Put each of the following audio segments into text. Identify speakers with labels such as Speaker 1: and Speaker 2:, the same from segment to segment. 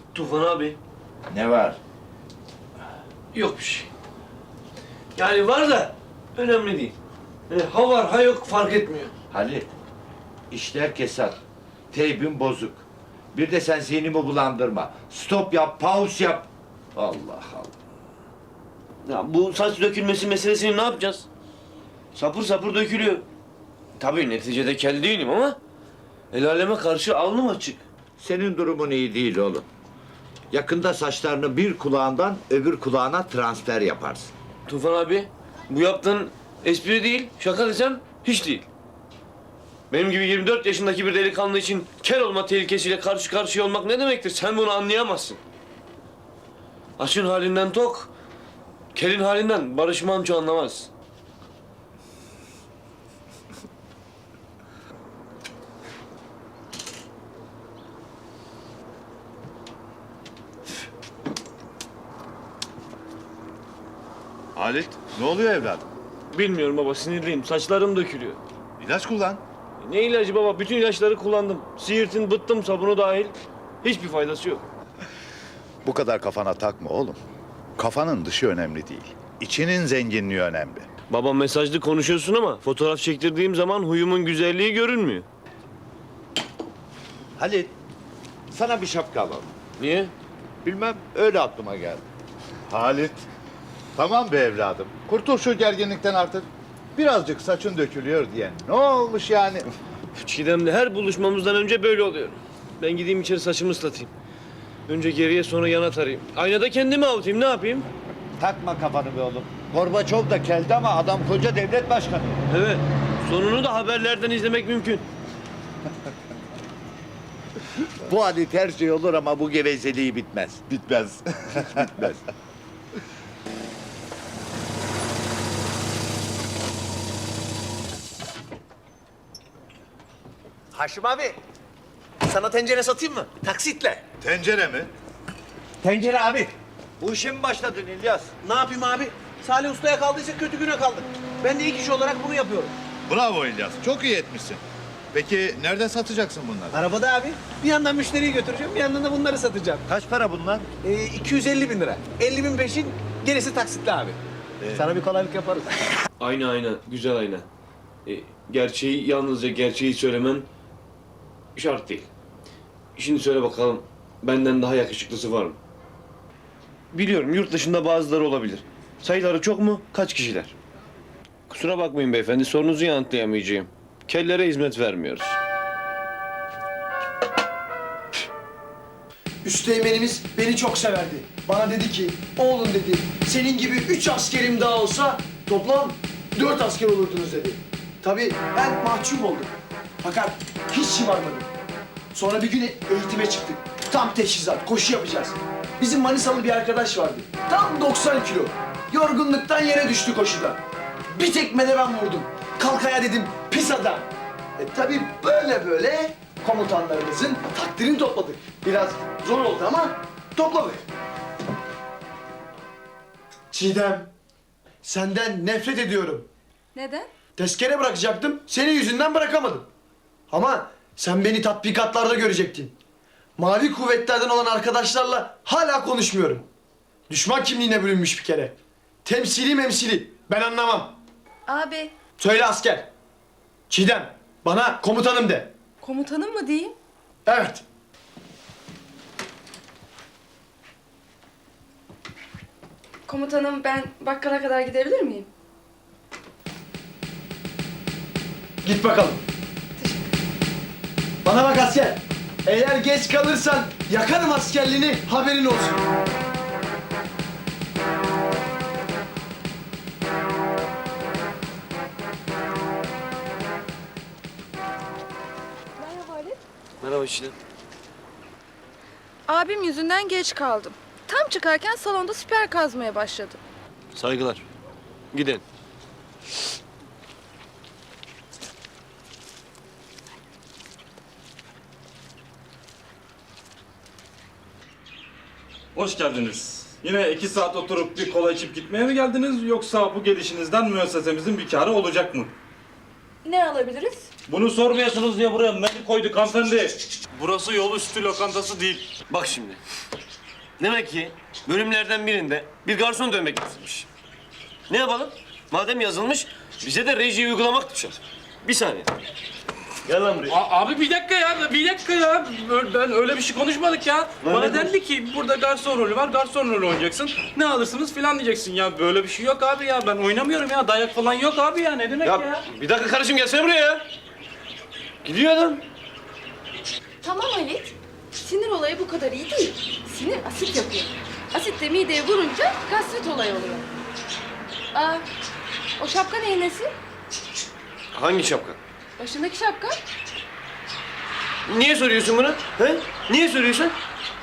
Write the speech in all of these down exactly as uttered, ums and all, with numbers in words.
Speaker 1: Tufan abi.
Speaker 2: Ne var?
Speaker 1: Yok bir şey. Yani var da önemli değil. Yani ha var ha yok fark etmiyor.
Speaker 2: Halit, işler kesat. Teybin bozuk. Bir de sen zihnimi bulandırma. Stop yap, pause yap. Allah Allah.
Speaker 1: Ya bu saç dökülmesi meselesini ne yapacağız? Sapır sapır dökülüyor. Tabii neticede kel değilim ama el aleme karşı alnım açık.
Speaker 2: Senin durumun iyi değil oğlum. Yakında saçlarını bir kulağından öbür kulağına transfer yaparsın.
Speaker 1: Tufan abi, bu yaptığın espri değil, şaka desem hiç değil. Benim gibi yirmi dört yaşındaki bir delikanlı için kel olma tehlikesiyle karşı karşıya olmak ne demektir? Sen bunu anlayamazsın. Açın halinden tok, kelin halinden Barış Manço anlamaz.
Speaker 3: Halit, ne oluyor evladım?
Speaker 1: Bilmiyorum baba, sinirliyim. Saçlarım dökülüyor.
Speaker 3: İlaç kullan.
Speaker 1: Ne ilacı baba? Bütün ilaçları kullandım. Siirtin, bıttım, sabunu dahil. Hiçbir faydası yok.
Speaker 3: Bu kadar kafana takma oğlum. Kafanın dışı önemli değil. İçinin zenginliği önemli.
Speaker 1: Baba mesajlı konuşuyorsun ama fotoğraf çektirdiğim zaman huyumun güzelliği görünmüyor.
Speaker 2: Halit, sana bir şapka alalım.
Speaker 1: Niye?
Speaker 2: Bilmem, öyle aklıma geldi.
Speaker 3: Halit, tamam be evladım. Kurtul şu gerginlikten artık. Birazcık saçın dökülüyor diye. Ne olmuş yani?
Speaker 1: Çiğdem'le her buluşmamızdan önce böyle oluyor. Ben gideyim içeri saçımı ıslatayım. Önce geriye sonra yana tarayayım. Aynada kendimi avutayım, ne yapayım?
Speaker 2: Takma kafanı be oğlum. Gorbaçov da keldi ama adam koca devlet başkanı.
Speaker 1: Evet, sonunu da haberlerden izlemek mümkün.
Speaker 2: Bu Halit her şey olur ama bu gevezeliği bitmez.
Speaker 3: Bitmez. Bitmez.
Speaker 4: Haşim abi, sana tencere satayım mı? Taksitle.
Speaker 3: Tencere mi?
Speaker 4: Tencere abi.
Speaker 2: Bu işe mi başladın İlyas?
Speaker 4: Ne yapayım abi? Salih Usta'ya kaldıysa kötü güne kaldık. Ben de ilk iş olarak bunu yapıyorum.
Speaker 3: Bravo İlyas. Çok iyi etmişsin. Peki nerede satacaksın bunları?
Speaker 4: Arabada abi. Bir yandan müşteriyi götüreceğim, bir yandan da bunları satacağım.
Speaker 2: Kaç para bunlar?
Speaker 4: Ee, iki yüz elli bin lira. elli bin peşin, gerisi taksitli abi. Sana bir kolaylık yaparız.
Speaker 1: Ayna ayna, güzel ayna. E, gerçeği, yalnızca gerçeği söylemen şart değil. Şimdi söyle bakalım, benden daha yakışıklısı var mı? Biliyorum, yurt dışında bazıları olabilir. Sayıları çok mu? Kaç kişiler? Kusura bakmayın beyefendi, sorunuzu yanıtlayamayacağım. Kellere hizmet vermiyoruz.
Speaker 5: Üsteğmenimiz beni çok severdi. Bana dedi ki, oğlum dedi, senin gibi üç askerim daha olsa toplam dört asker olurdunuz dedi. Tabii ben mahcup oldum. Fakat hiç şımarmadım. Sonra bir gün eğitime çıktık. Tam teçhizat, koşu yapacağız. Bizim Manisalı bir arkadaş vardı. Tam doksan kilo. Yorgunluktan yere düştü koşuda. Bir tekme de ben vurdum. Kalk ayağa dedim, pis adam. E tabii böyle böyle komutanlarımızın takdirini topladık. Biraz zor oldu ama topladık. Çiğdem, senden nefret ediyorum.
Speaker 6: Neden?
Speaker 5: Tezkere bırakacaktım, senin yüzünden bırakamadım. Ama sen beni tatbikatlarda görecektin. Mavi kuvvetlerden olan arkadaşlarla hala konuşmuyorum. Düşman kimliğine bürünmüş bir kere. Temsili memsili, ben anlamam.
Speaker 6: Abi,
Speaker 5: Söyle asker. Çiğdem, bana komutanım de.
Speaker 6: komutanım mı diyeyim?
Speaker 5: Evet.
Speaker 6: Komutanım, ben bakkala kadar gidebilir miyim?
Speaker 5: Git bakalım. Bana bak asker. Eğer geç kalırsan yakarım askerliğini, haberin olsun.
Speaker 6: Merhaba Ali.
Speaker 1: Merhaba Çiğdem.
Speaker 6: Abim yüzünden geç kaldım. Tam çıkarken salonda siper kazmaya başladı.
Speaker 1: Saygılar. Gidin.
Speaker 7: Hoş geldiniz. Yine iki saat oturup bir kola içip gitmeye mi geldiniz yoksa bu gelişinizden müessesemizin bir kârı olacak mı?
Speaker 6: Ne alabiliriz?
Speaker 7: Bunu sormuyorsunuz diye buraya menü koyduk hanımefendi. Burası yol üstü lokantası değil.
Speaker 8: Bak şimdi. Demek ki bölümlerden birinde bir garson dövmek yazılmış. Ne yapalım? Madem yazılmış, bize de rejiyi uygulamak düşer. Bir saniye. Gel lan buraya.
Speaker 7: A- abi bir dakika ya, bir dakika ya. Ö- Ben öyle bir şey konuşmadık ya. Bana
Speaker 8: ne
Speaker 7: dendi ki burada garson rolü var, garson rolü oynayacaksın. Ne alırsınız filan diyeceksin ya. Böyle bir şey yok abi ya. Ben oynamıyorum ya. Dayak falan yok abi ya. Ne demek ya?
Speaker 8: Ya bir dakika kardeşim gelsene buraya ya. Gidiyor adam.
Speaker 6: Tamam Halit. Sinir olayı bu kadar iyi değil. Sinir asit yapıyor. Asit de mideye vurunca gastrit olayı oluyor. Aa, o şapka neyin nesi?
Speaker 8: Hangi şapka?
Speaker 6: Başındaki şapka.
Speaker 8: Niye soruyorsun bunu? He? Niye soruyorsun?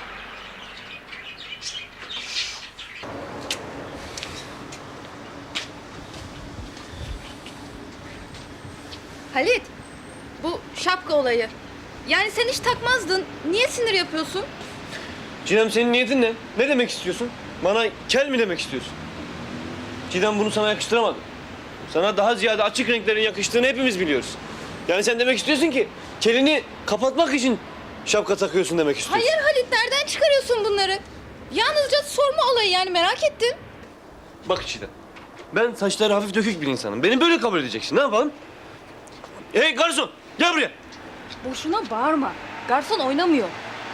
Speaker 6: Halit, bu şapka olayı. Yani sen hiç takmazdın. Niye sinir yapıyorsun?
Speaker 8: Çiğdem senin niyetin ne? Ne demek istiyorsun? Bana kel mi demek istiyorsun? Çiğdem bunu sana yakıştıramadı. Sana daha ziyade açık renklerin yakıştığını hepimiz biliyoruz. Yani sen demek istiyorsun ki kelini kapatmak için şapka takıyorsun demek istiyorsun.
Speaker 6: Hayır Halit, nereden çıkarıyorsun bunları? Yalnızca sorma olayı, yani merak ettim.
Speaker 8: Bak Çiğdem, ben saçları hafif dökük bir insanım. Beni böyle kabul edeceksin. Ne yapalım? Hey garson, gel buraya.
Speaker 6: Boşuna bağırma. Garson oynamıyor.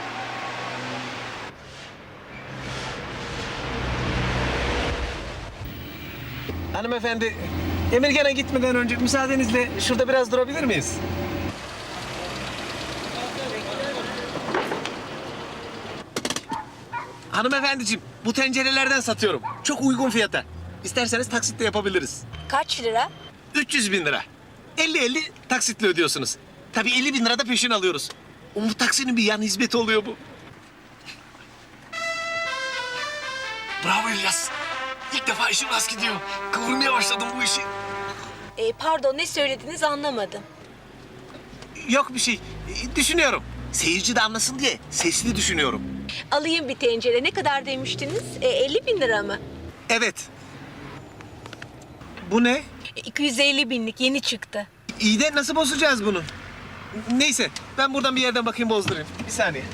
Speaker 4: Hanımefendi, Emirgan'a gitmeden önce müsaadenizle şurada biraz durabilir miyiz? Hanımefendiciğim, bu tencerelerden satıyorum. Çok uygun fiyata. İsterseniz taksitle yapabiliriz.
Speaker 9: Kaç lira?
Speaker 4: üç yüz bin lira. elli elli taksitle ödüyorsunuz. Tabii elli bin lira da peşin alıyoruz. Umut taksinin bir yan hizmeti oluyor bu. Bravo İlyas. İlk defa işim rast gidiyor. Kıvırmaya başladım bu işi.
Speaker 9: Ee, pardon, ne söylediniz anlamadım.
Speaker 4: Yok bir şey. Ee, Düşünüyorum. Seyirci de anlasın diye sesli düşünüyorum.
Speaker 9: Alayım bir tencere. Ne kadar demiştiniz? Ee, elli bin lira mı?
Speaker 4: Evet. Bu ne?
Speaker 9: E, iki yüz elli binlik yeni çıktı.
Speaker 4: İyi de nasıl bozacağız bunu? Neyse ben buradan bir yerden bakayım bozdurayım. Bir saniye.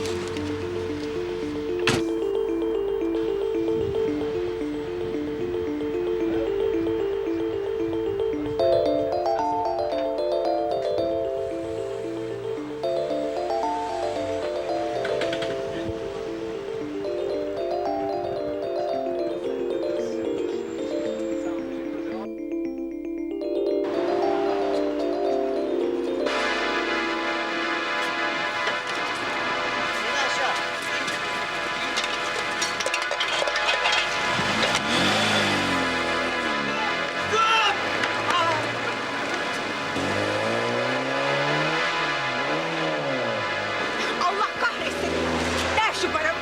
Speaker 9: Allah kahretsin. Ver şu paramı.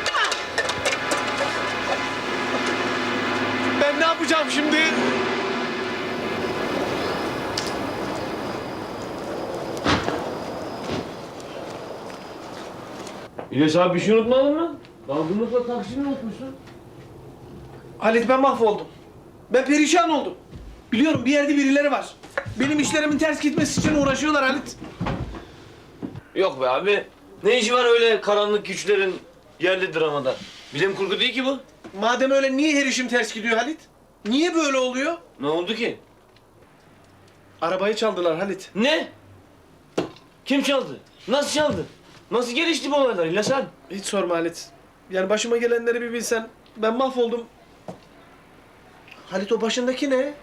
Speaker 4: Ben ne yapacağım şimdi?
Speaker 8: İlyas abi bir şey unutmadın mı? Dalgınlıkla taksini unutmuşsun.
Speaker 5: Halit, ben mahvoldum. Ben perişan oldum. Biliyorum, bir yerde birileri var. Benim işlerimin ters gitmesi için uğraşıyorlar Halit.
Speaker 8: Yok be abi. Ne işi var öyle karanlık güçlerin yerli dramada? Bilim kurgu değil ki bu.
Speaker 5: Madem öyle, niye her işim ters gidiyor Halit? Niye böyle oluyor?
Speaker 8: Ne oldu ki?
Speaker 5: Arabayı çaldılar Halit.
Speaker 8: Ne? Kim çaldı? Nasıl çaldı? Nasıl gelişti bu olaylar İlyas abi?
Speaker 5: Hiç sorma Halit. Yani başıma gelenleri bir bilsen. Ben mahvoldum. Halit, o başındaki ne?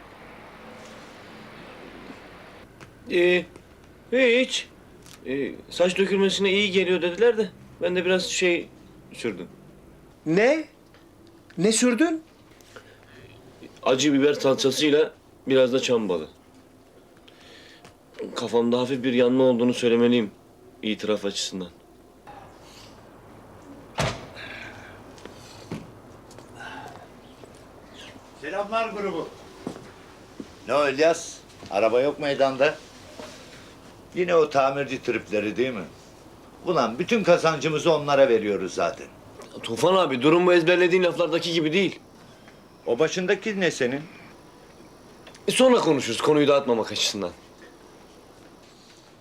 Speaker 8: Ee, hiç. Ee, saç dökülmesine iyi geliyor dediler de ben de biraz şey sürdüm.
Speaker 5: Ne? Ne sürdün?
Speaker 8: Acı biber salçasıyla biraz da çam balı. Kafamda hafif bir yanma olduğunu söylemeliyim itiraf açısından.
Speaker 3: Selamlar grubu. Ne o İlyas? Araba yok meydanda. Yine o tamirci tripleri değil mi? Ulan bütün kazancımızı onlara veriyoruz zaten.
Speaker 8: Tufan abi durum bu ezberlediğin laflardaki gibi değil.
Speaker 3: O başındaki ne senin?
Speaker 8: E sonra konuşuruz konuyu dağıtmamak açısından.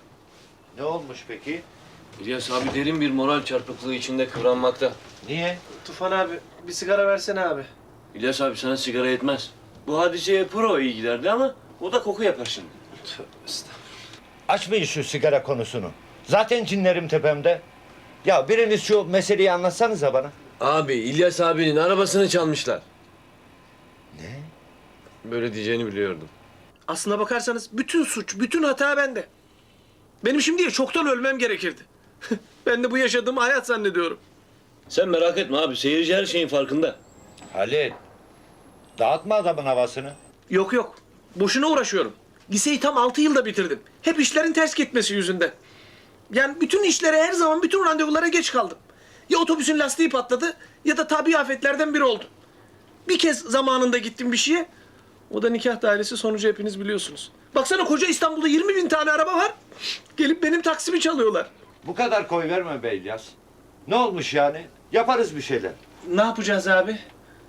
Speaker 3: olmuş peki?
Speaker 8: İlyas abi derin bir moral çarpıklığı içinde kıvranmakta.
Speaker 3: Niye?
Speaker 5: Tufan abi bir sigara versene abi.
Speaker 8: İlyas abi sana sigara yetmez. Bu hadiseye pro iyi giderdi ama o da koku yapar şimdi.
Speaker 3: Açmayın şu sigara konusunu. Zaten cinlerim tepemde. Ya biriniz şu meseleyi anlatsanıza bana.
Speaker 8: Abi İlyas abinin arabasını çalmışlar.
Speaker 3: Ne?
Speaker 8: Böyle diyeceğini biliyordum.
Speaker 4: Aslına bakarsanız bütün suç, bütün hata bende. Benim şimdiye çoktan ölmem gerekirdi. Ben de bu yaşadığım hayat zannediyorum.
Speaker 8: Sen merak etme abi, seyirci her şeyin farkında.
Speaker 3: Halil, dağıtma adamın havasını.
Speaker 4: Yok yok, boşuna uğraşıyorum. Liseyi tam altı yılda bitirdim. Hep işlerin ters gitmesi yüzünden. Yani bütün işlere her zaman, bütün randevulara geç kaldım. Ya otobüsün lastiği patladı ya da tabii afetlerden biri oldu. Bir kez zamanında gittim bir şeye. O da nikah dairesi, sonucu hepiniz biliyorsunuz. Baksana koca İstanbul'da yirmi bin tane araba var. Gelip benim taksimi çalıyorlar.
Speaker 3: Bu kadar koy verme be İlyas. Ne olmuş yani? Yaparız bir şeyler.
Speaker 4: Ne yapacağız abi?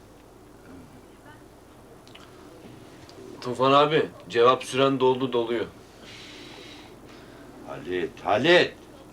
Speaker 8: Tufan abi, cevap süren doldu doluyor.
Speaker 3: Halit, Halit.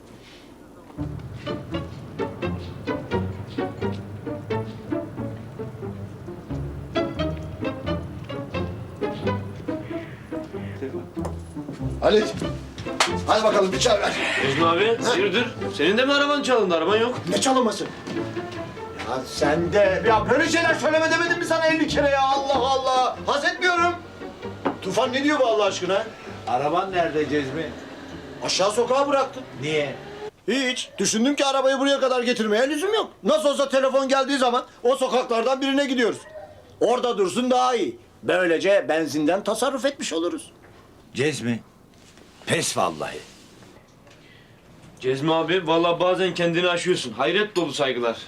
Speaker 5: Halit. Hadi bakalım bir çay ver.
Speaker 8: Necmi abi, hayırdır? Senin de mi araban çalındı? Araban yok.
Speaker 5: Ne çalınması? Ya sen de... Ya böyle şeyler söyleme demedim mi sana elli kere ya? Allah Allah. Haz etmiyorum. Tufan ne diyor bu Allah aşkına?
Speaker 3: Araban nerede Cezmi?
Speaker 5: Aşağı sokağa bıraktım.
Speaker 3: Niye?
Speaker 5: Hiç. Düşündüm ki arabayı buraya kadar getirmeye lüzum yok. Nasıl olsa telefon geldiği zaman o sokaklardan birine gidiyoruz. Orada dursun daha iyi. Böylece benzinden tasarruf etmiş oluruz.
Speaker 3: Cezmi, pes vallahi.
Speaker 8: Cezmi abi, vallahi bazen kendini aşıyorsun. Hayret dolu saygılar.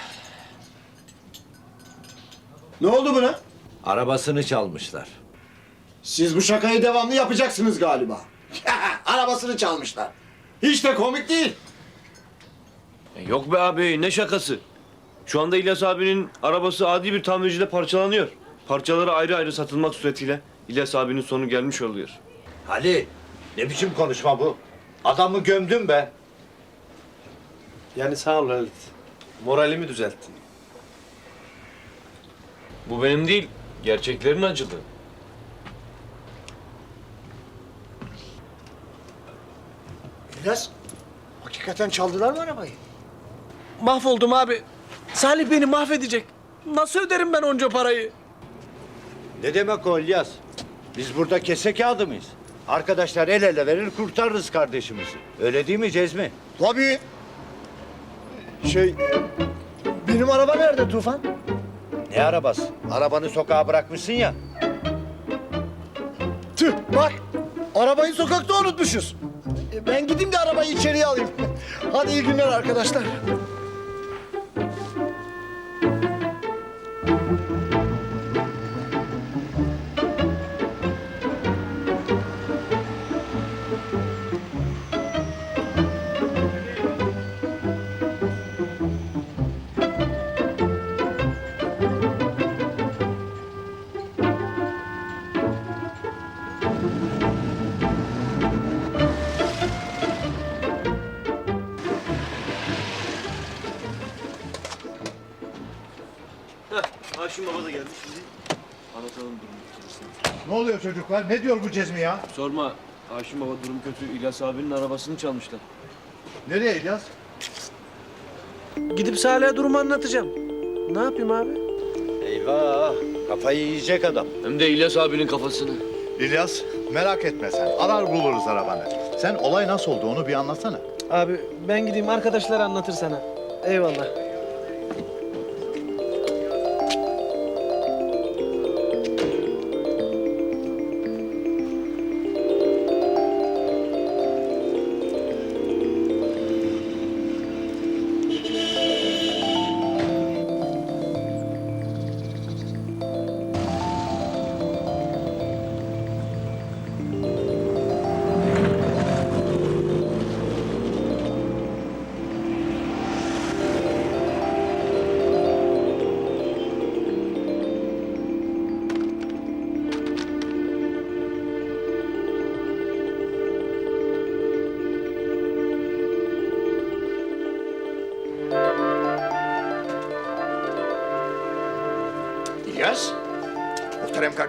Speaker 5: Ne oldu buna?
Speaker 3: Arabasını çalmışlar.
Speaker 5: Siz bu şakayı devamlı yapacaksınız galiba. Arabasını çalmışlar. Hiç de komik değil.
Speaker 8: E, Yok be abi, ne şakası? Şu anda İlyas abinin arabası adi bir tamircide parçalanıyor. Parçaları ayrı ayrı satılmak suretiyle İlyas abinin sonu gelmiş oluyor.
Speaker 3: Halil, ne biçim konuşma bu? Adamı gömdüm be.
Speaker 4: Yani sağ ol Halit. Moralimi düzelttin.
Speaker 8: Bu benim değil, gerçeklerin acılı.
Speaker 5: İlyas, hakikaten çaldılar mı arabayı?
Speaker 4: Mahvoldum abi. Salih beni mahvedecek. Nasıl öderim ben onca parayı?
Speaker 3: Ne demek o İlyas? Biz burada kese kağıdı mıyız? Arkadaşlar el ele verir kurtarırız kardeşimizi. Öyle değil mi Cezmi?
Speaker 5: Tabii. Şey, benim araba nerede Tufan?
Speaker 3: Ne arabası? Arabanı sokağa bırakmışsın ya.
Speaker 5: Tüh, bak. Arabayı sokakta unutmuşuz. E, Ben gideyim de arabayı içeriye alayım. Hadi iyi günler arkadaşlar.
Speaker 8: Haşim Baba da gelmiş bizi. Anlatalım durumu.
Speaker 10: Ne oluyor çocuklar? Ne diyor bu Cezmi ya?
Speaker 8: Sorma, Haşim Baba durum kötü. İlyas abinin arabasını çalmışlar.
Speaker 10: Nereye İlyas?
Speaker 4: Gidip Salih'e durumu anlatacağım. Ne yapayım abi?
Speaker 3: Eyvah, kafayı yiyecek adam.
Speaker 8: Hem de İlyas abinin kafasını.
Speaker 10: İlyas, merak etme sen. Arar buluruz arabanı. Sen olay nasıl oldu onu bir anlatsana.
Speaker 4: Abi ben gideyim arkadaşlar anlatır sana. Eyvallah.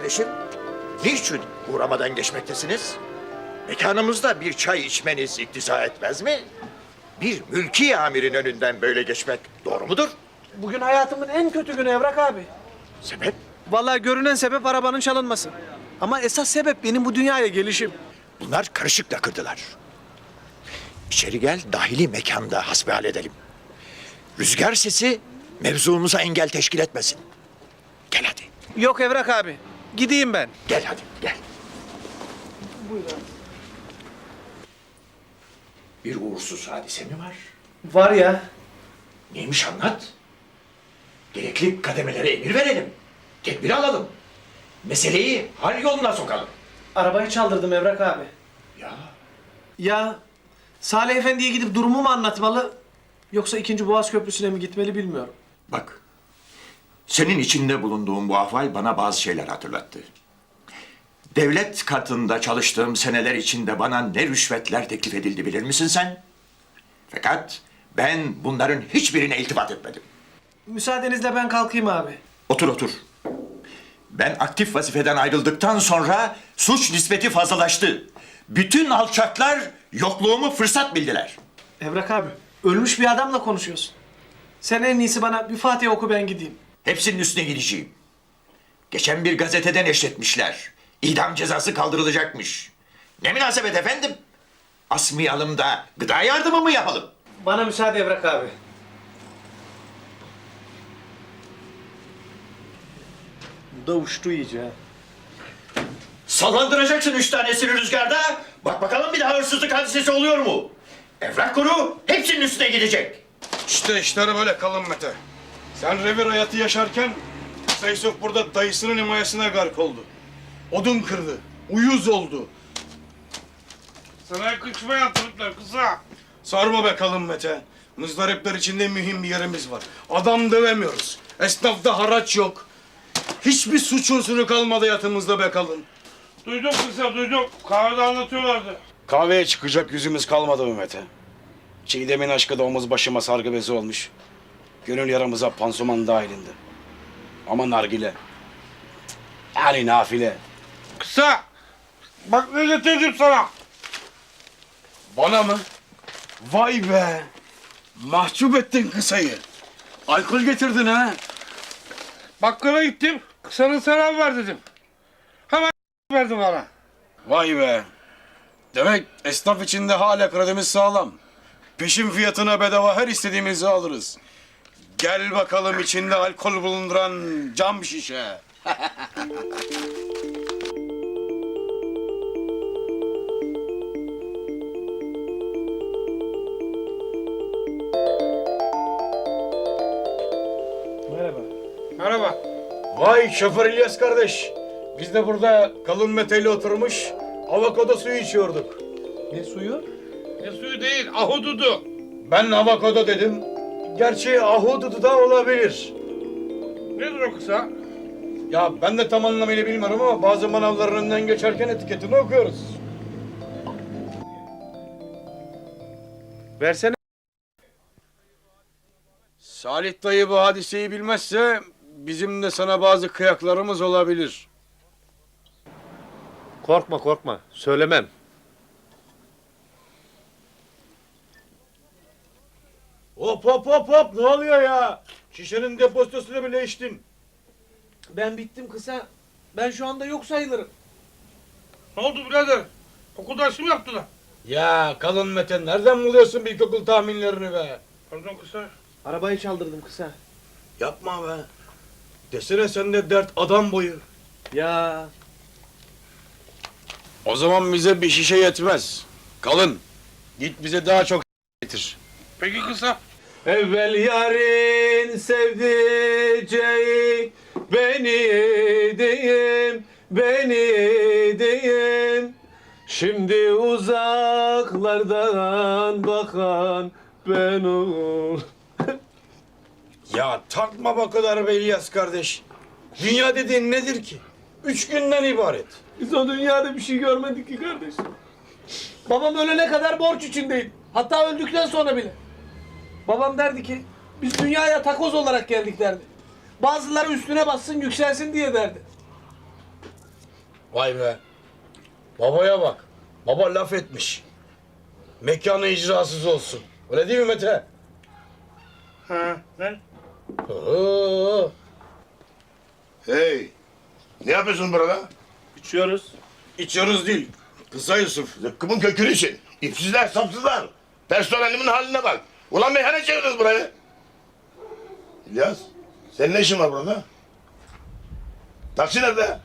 Speaker 11: kardeşim? Niçin uğramadan geçmektesiniz? Mekanımızda bir çay içmeniz iktiza etmez mi? Bir mülki amirin önünden böyle geçmek doğru mudur?
Speaker 4: Bugün hayatımın en kötü günü Evrak abi.
Speaker 11: Sebep?
Speaker 4: Vallahi görünen sebep arabanın çalınması. Ama esas sebep benim bu dünyaya gelişim.
Speaker 11: Bunlar karışık lakırdılar. İçeri gel, dahili mekanda hasbihal edelim. Rüzgar sesi mevzumuza engel teşkil etmesin. Gel hadi,
Speaker 4: Yok Evrak abi. Gideyim ben.
Speaker 11: gel hadi, gel. Bir uğursuz hadise mi var?
Speaker 4: Var ya.
Speaker 11: Neymiş anlat. Gerekli kademelere emir verelim. Tedbir alalım. Meseleyi hal yoluna sokalım.
Speaker 4: Arabayı çaldırdım Evrak abi.
Speaker 11: Ya
Speaker 4: Ya Salih Efendi'ye gidip durumu mu anlatmalı? Yoksa ikinci Boğaz Köprüsü'ne mi gitmeli bilmiyorum.
Speaker 11: bak. Senin içinde bulunduğun bu ahval bana bazı şeyler hatırlattı. Devlet katında çalıştığım seneler içinde bana ne rüşvetler teklif edildi bilir misin sen? Fakat ben bunların hiçbirine iltifat etmedim.
Speaker 4: Müsaadenizle ben kalkayım abi.
Speaker 11: Otur otur. Ben aktif vazifeden ayrıldıktan sonra suç nispeti fazlalaştı. Bütün alçaklar yokluğumu fırsat bildiler.
Speaker 4: Evrak abi, ölmüş bir adamla konuşuyorsun. Sen en iyisi bana bir Fatiha oku ben gideyim.
Speaker 11: Hepsinin üstüne gideceğim. Geçen bir gazetede neşretmişler. İdam cezası kaldırılacakmış. Ne münasebet efendim? Asmayalım da gıda yardımı mı yapalım?
Speaker 4: Bana müsaade Evrak abi. Bu da uçtu iyice ha.
Speaker 11: Sallandıracaksın üç tanesini rüzgarda. Bak bakalım bir daha hırsızlık hadisesi oluyor mu? Evrak kuru hepsinin üstüne gidecek.
Speaker 12: İşte işleri böyle kalın Mete. Sen revir hayatı yaşarken Seysof burada dayısının himayesine gark oldu. Odun kırdı, uyuz oldu. Sana yakışmayan Türkler kısa. Sarma be kalın Mete. Muzdaripler içinde mühim bir yerimiz var. Adam dövemiyoruz. Esnafta haraç yok. Hiçbir suç unsuru kalmadı yatımızda be kalın. Duydum kısa duydum. Kahvede anlatıyorlardı. Kahveye çıkacak yüzümüz kalmadı mı Mete? Çiğdem'in aşkı da omuz başıma sargı bezi olmuş. Gönül yaramıza pansuman dahilinde. Ama nargile. Yani nafile. Kısa! Bak ne getirdim sana. Bana mı? Vay be! Mahcup ettin kısayı. Alkol getirdin ha. Bakkala gittim. Kısanın selam ver dedim. Hemen verdi bana. Vay be! Demek esnaf içinde hala kredimiz sağlam. Peşin fiyatına bedava her istediğimizi alırız. Gel bakalım içinde alkol bulunduran cam şişe.
Speaker 4: Merhaba.
Speaker 12: Merhaba. Vay şoför İlyas kardeş. Biz de burada kalın meteli oturmuş avokado suyu içiyorduk.
Speaker 4: Ne suyu?
Speaker 12: Ne suyu değil, ahududu. Ben avokado dedim. Gerçi ahududu da olabilir. Nedir o kısa? Ya ben de tam anlamıyla bilmiyorum ama bazı manavların önünden geçerken etiketini okuyoruz.
Speaker 4: Versene.
Speaker 12: Salih dayı bu hadiseyi bilmezse bizim de sana bazı kıyaklarımız olabilir.
Speaker 8: Korkma korkma. Söylemem.
Speaker 12: Hop hop hop hop ne oluyor ya? Şişenin depozitosunu bile içtin.
Speaker 4: Ben bittim kısa. Ben şu anda yok sayılırım.
Speaker 12: Ne oldu birader? Okul dersi mi yaptılar? Ya kalın Mete nereden buluyorsun bir ilkokul tahminlerini be? Pardon kısa.
Speaker 4: Arabayı çaldırdım kısa.
Speaker 12: Yapma be. Desene sende dert adam boyu.
Speaker 4: Ya
Speaker 12: O zaman bize bir şişe yetmez. Kalın. Git bize daha çok getir. Peki kısa.
Speaker 8: Evvel yarın sevdiceğim beni diyeyim, beni diyeyim. Şimdi uzaklardan bakan ben ol.
Speaker 12: Ya takma bu kadar be İlyas kardeş. Dünya dediğin nedir ki? Üç günden ibaret.
Speaker 4: biz o dünyada bir şey görmedik ki kardeş. Babam ölene kadar borç içindeyim. Hatta öldükten sonra bile. Babam derdi ki biz dünyaya takoz olarak geldik derdi. Bazıları üstüne bassın yükselsin diye derdi.
Speaker 12: Vay be. Babaya bak. Baba laf etmiş. Mekanı icrasız olsun. Öyle değil mi Mete?
Speaker 7: Ha, ne?
Speaker 12: Hı. Hey. Ne yapıyorsun burada?
Speaker 7: İçiyoruz.
Speaker 12: İçiyoruz değil. Kısa Yusuf. Zıkkımın kökünü için. İpsizler, sapsızlar. Personelimin haline bak. Ulan meyhane çeviriyoruz burayı. İlyas, senin ne işin var burada? Taksi nerede?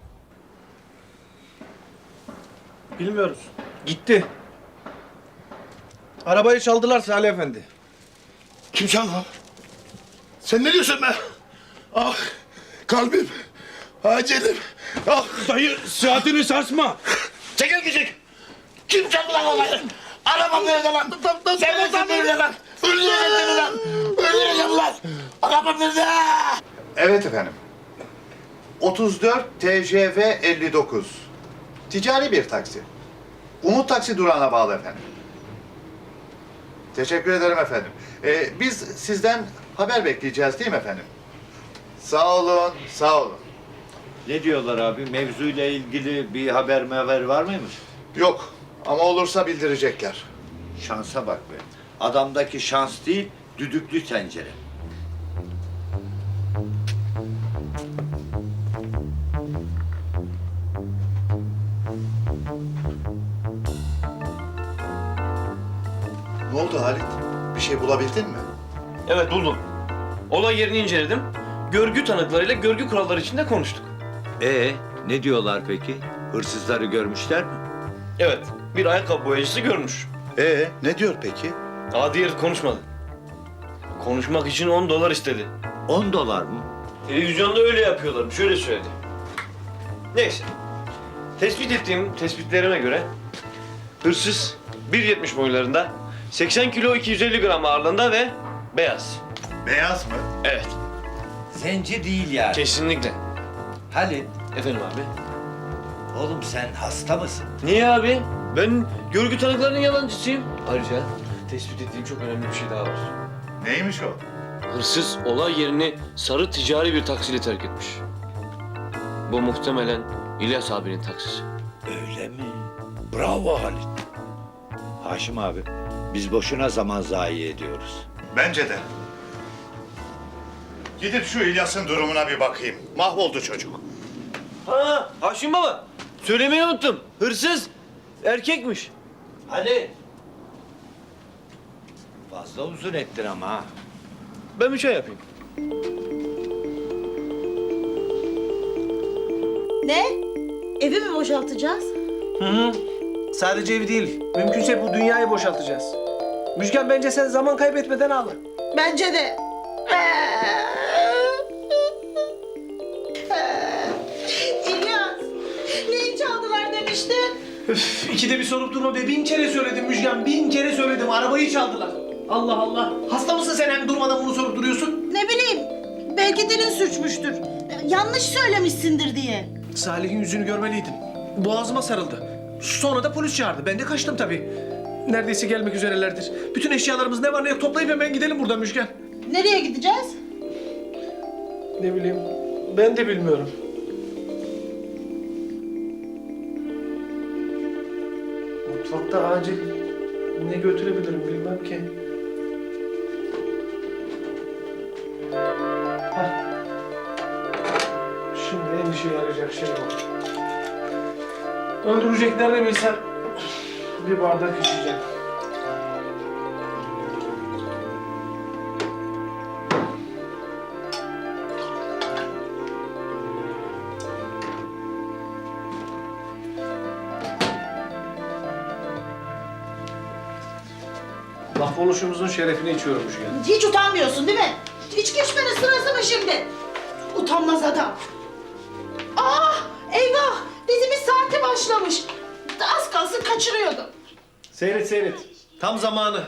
Speaker 4: Bilmiyoruz. Gitti. Arabayı çaldılar Salih Efendi.
Speaker 12: Kim çaldı lan? Sen ne diyorsun be? Ah, kalbim, acilim. Ah,
Speaker 7: Dayı saatini sarsma.
Speaker 12: çekil gidecek. Kim çaldı lan olayı? Arabam nerede lan? Sen nesin nerede lan? Öldüreceğim seni lan. Öldüreceğim lan. Arabam nerede?
Speaker 10: Evet efendim. otuz dört T J V elli dokuz. Ticari bir taksi. Umut Taksi durağına bağlı efendim. Teşekkür ederim efendim. Ee, biz sizden haber bekleyeceğiz değil mi efendim? Sağ olun, sağ olun.
Speaker 2: Ne diyorlar abi? Mevzuyla ilgili bir haber haber var mıymış?
Speaker 10: Yok ama olursa bildirecekler.
Speaker 2: Şansa bak be. Adamdaki şans değil, düdüklü tencere.
Speaker 10: Ne oldu Halit? Bir şey bulabildin mi?
Speaker 8: Evet buldum. Olay yerini inceledim. Görgü tanıklarıyla görgü kuralları içinde konuştuk.
Speaker 2: Ee, ne diyorlar peki? Hırsızları görmüşler mi?
Speaker 8: Evet, bir ayakkabı boyacısı görmüş.
Speaker 10: Ee, ne diyor peki?
Speaker 8: Aa diğeri konuşmadı. Konuşmak için on dolar istedi.
Speaker 2: On dolar mı?
Speaker 8: Televizyonda öyle yapıyorlar. Şöyle söyledi. Neyse. Tespit ettiğim tespitlerime göre hırsız bir yetmiş boylarında, seksen kilo iki yüz elli gram ağırlığında ve beyaz.
Speaker 10: Beyaz mı?
Speaker 8: Evet,
Speaker 2: Zenci değil yani.
Speaker 8: kesinlikle.
Speaker 2: Halit,
Speaker 8: Efendim abi.
Speaker 2: oğlum sen hasta mısın?
Speaker 8: Niye abi? Ben görgü tanıklarının yalancısıyım. Ayrıca tespit ettiğim çok önemli bir şey daha var.
Speaker 10: Neymiş o?
Speaker 8: Hırsız olay yerini sarı ticari bir taksiyle terk etmiş. Bu muhtemelen İlyas abinin taksisi.
Speaker 2: Öyle mi? Bravo Halit. Haşim abi, biz boşuna zaman zayi ediyoruz.
Speaker 10: Bence de. Gidip şu İlyas'ın durumuna bir bakayım. Mahvoldu çocuk.
Speaker 8: Ha, Haşim baba. Söylemeyi unuttum. Hırsız erkekmiş.
Speaker 2: Hadi. Fazla uzun ettin ama ha.
Speaker 8: Ben bir şey yapayım.
Speaker 9: Ne? Evi mi boşaltacağız?
Speaker 4: Hı hı. Sadece evi değil. Mümkünse bu dünyayı boşaltacağız. Müjgan bence sen zaman kaybetmeden al.
Speaker 9: Bence de. İlyas, neyi çaldılar demiştin?
Speaker 4: Üf, ikide bir sorup durma be. Bin kere söyledim Müjgan. Bin kere söyledim. Arabayı çaldılar. Allah Allah. Hasta mısın sen hem durmadan bunu sorup duruyorsun?
Speaker 9: Ne bileyim, belki dilin sürçmüştür. Yanlış söylemişsindir diye.
Speaker 4: Salih'in yüzünü görmeliydin. Boğazıma sarıldı. Sonra da polis çağırdı. Ben de kaçtım tabii. Neredeyse gelmek üzerelerdir. Bütün eşyalarımız ne var ne yok toplayıp hemen gidelim buradan Müjgan.
Speaker 9: Nereye gideceğiz?
Speaker 4: Ne bileyim. Ben de bilmiyorum. Mutfakta acil ne götürebilirim bilmem ki. Hah. Şimdi en işe yarayacak şey bu. Öldüreceklerini bilsem bir bardak içeceğim. Mahvoluşumuzun şerefine içiyormuş yani.
Speaker 9: Hiç utanmıyorsun değil mi? İçki içmenin sırası mı şimdi? Utanmaz adam. Ah, eyvah! Dizimiz saati başlamış. Az kalsın kaçırıyordum.
Speaker 4: Seyret seyret. Tam zamanı.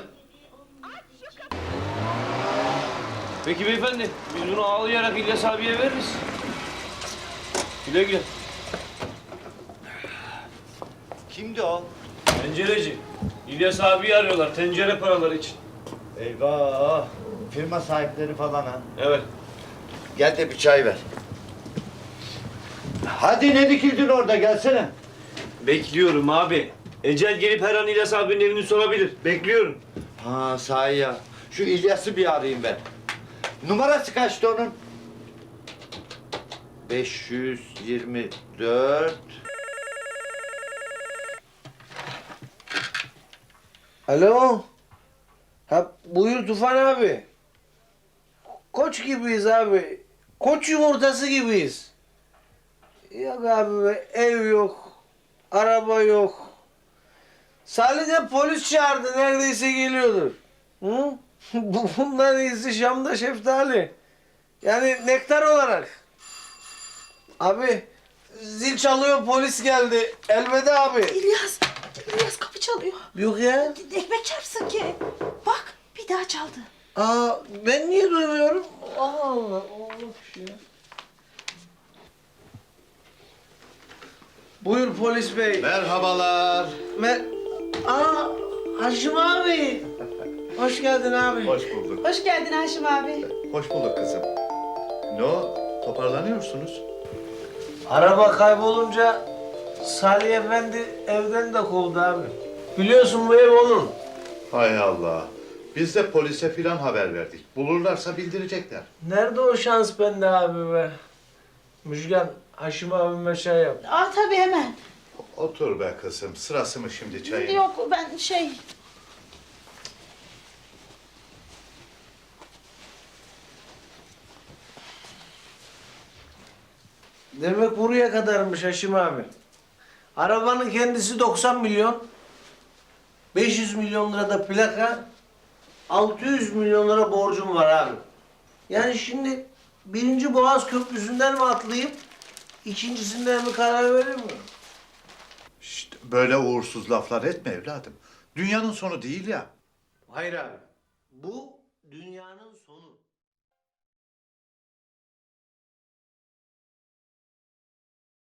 Speaker 8: Peki beyefendi, biz bunu ağlayarak İlyas abiye veririz. Güle güle.
Speaker 2: Kimdi o?
Speaker 8: Tencereci. İlyas abiyi arıyorlar tencere paraları için.
Speaker 2: Eyvah! Firma sahipleri falan ha.
Speaker 8: Evet.
Speaker 2: Gel de bir çay ver.
Speaker 3: Hadi ne dikildin orada, gelsene.
Speaker 8: Bekliyorum abi. Ecel gelip her an İlyas abinin evini sorabilir. Bekliyorum.
Speaker 3: Ha sahi ya. Şu İlyas'ı bir arayayım ben. Numarası kaçtı onun? beş yüz yirmi dört.
Speaker 5: Alo. Ha buyur Tufan abi. Koç gibiyiz abi. Koç yumurtası gibiyiz. Yok abi be, ev yok. Araba yok. Salih de polis çağırdı, neredeyse geliyordur. Hı? Bu- Bundan iyisi Şam'da şeftali. Yani nektar olarak. Abi zil çalıyor, polis geldi. Elveda abi.
Speaker 9: İlyas, İlyas kapı çalıyor.
Speaker 5: Yok ya.
Speaker 9: Ekmek çarpsın ki. Bak bir daha çaldı.
Speaker 5: Aa, ben niye duymuyorum? Allah Allah. Allah ya. Buyur polis bey.
Speaker 10: Merhabalar.
Speaker 5: Mer Aa, Haşim abi. Hoş geldin abi.
Speaker 10: Hoş bulduk.
Speaker 9: Hoş geldin Haşim abi.
Speaker 10: Hoş bulduk kızım. Ne o? Toparlanıyorsunuz.
Speaker 5: Araba kaybolunca Salih Efendi evden de kovdu abi. Biliyorsun bu ev onun.
Speaker 10: Hay Allah. Biz de polise filan haber verdik. Bulurlarsa bildirecekler.
Speaker 5: Nerede o şans bende abi be? Müjgan, Haşim abime şey yap.
Speaker 9: Aa tabii hemen.
Speaker 10: Otur be kızım. Sırası mı şimdi çayın?
Speaker 9: Yok ben şey...
Speaker 5: Demek buraya kadarmış Haşim abi. Arabanın kendisi doksan milyon. beş yüz milyon lira da plaka. altı yüz milyon lira borcum var abi. Yani şimdi birinci Boğaz Köprüsü'nden mi atlayıp ikincisinden mi karar verir mi?
Speaker 10: Şşt, böyle uğursuz laflar etme evladım. Dünyanın sonu değil ya.
Speaker 5: Hayır abi. Bu dünyanın sonu.